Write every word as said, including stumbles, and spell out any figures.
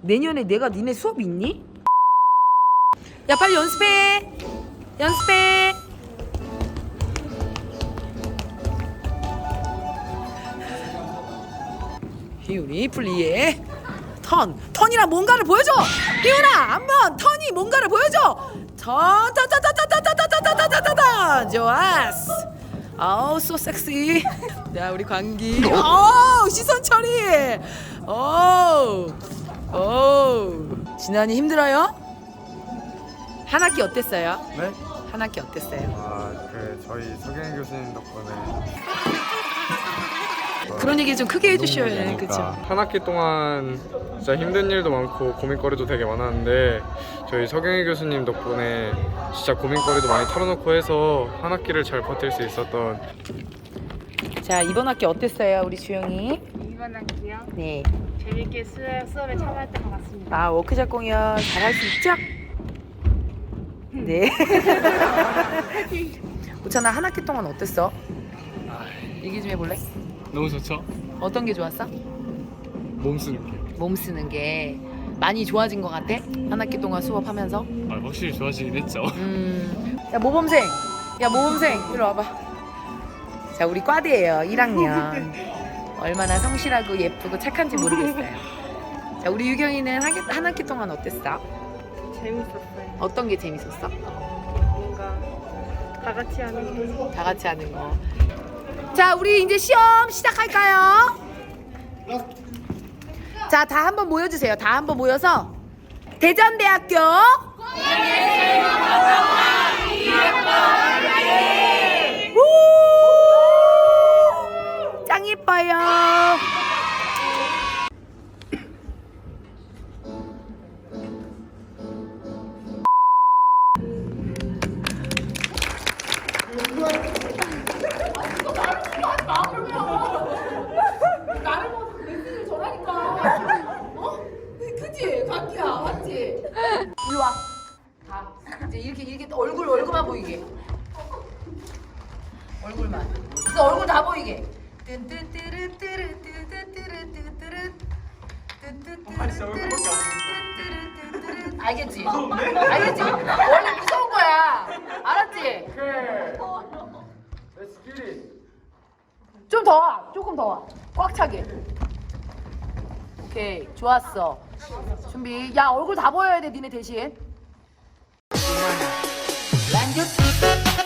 내년에 내가 니네 수업 있니? 야 빨리 연습해. 연습해. 희윤이 플리에 턴. 턴이랑 뭔가를 보여줘. 희윤아 한번 턴이 뭔가를 보여줘. 턴. 타타타타타타타타타타타타. 좋았어. 아우 소 섹시. 자 우리 광기. 오 시선 처리. 오. 오. 진환이 힘들어요? 한 학기 어땠어요? 네? 한 학기 어땠어요? 아, 그 저희 서경 교수님 덕분에 그런 얘기 좀 크게 해주셔야 해요. 그러니까 그렇죠? 한 학기 동안 진짜 힘든 일도 많고 고민거리도 되게 많았는데 저희 서경희 교수님 덕분에 진짜 고민거리도 많이 털어놓고 해서 한 학기를 잘 버틸 수 있었던. 자 이번 학기 어땠어요, 우리 주영이? 이번 학기요? 네. 재밌게 수, 수업에 참여했던 것 같습니다. 아 워크샵 공연 잘할 수 있죠? 네. 오찬아 한 학기 동안 어땠어? 얘기 좀 해볼래? 너무 좋죠? 어떤 게 좋았어? 몸 쓰는 게. 몸 쓰는 게 많이 좋아진 것 같아? 한 학기 동안 수업하면서? 아, 확실히 좋아지긴 했죠. 음. 야 모범생, 야 모범생 이리 와봐. 자 우리 과대예요. 일 학년. 얼마나 성실하고 예쁘고 착한지 모르겠어요. 자 우리 유경이는 한, 학- 한 학기 동안 어땠어? 재밌었어요. 어떤 게 재밌었어? 뭔가 다 같이 하는 거. 다 같이 하는 거. 자 우리 이제 시험 시작할까요? 자 다 한번 모여주세요. 다 한번 모여서 대전대학교 우! 짱 예뻐요. 그치? 감기야, 맞지? 일로 와. 다. 이제 이렇게, 이렇게 얼굴, 얼굴만 보이게. 얼굴만. 그래서 얼굴 다 보이게. 알겠지? 알겠지? 원래 무서운 거야. 알았지? 좀 더 와. 조금 더 와. 꽉 차게. 오케이. 좋았어. 준비. 야, 얼굴 다 보여야 돼, 니네 대신.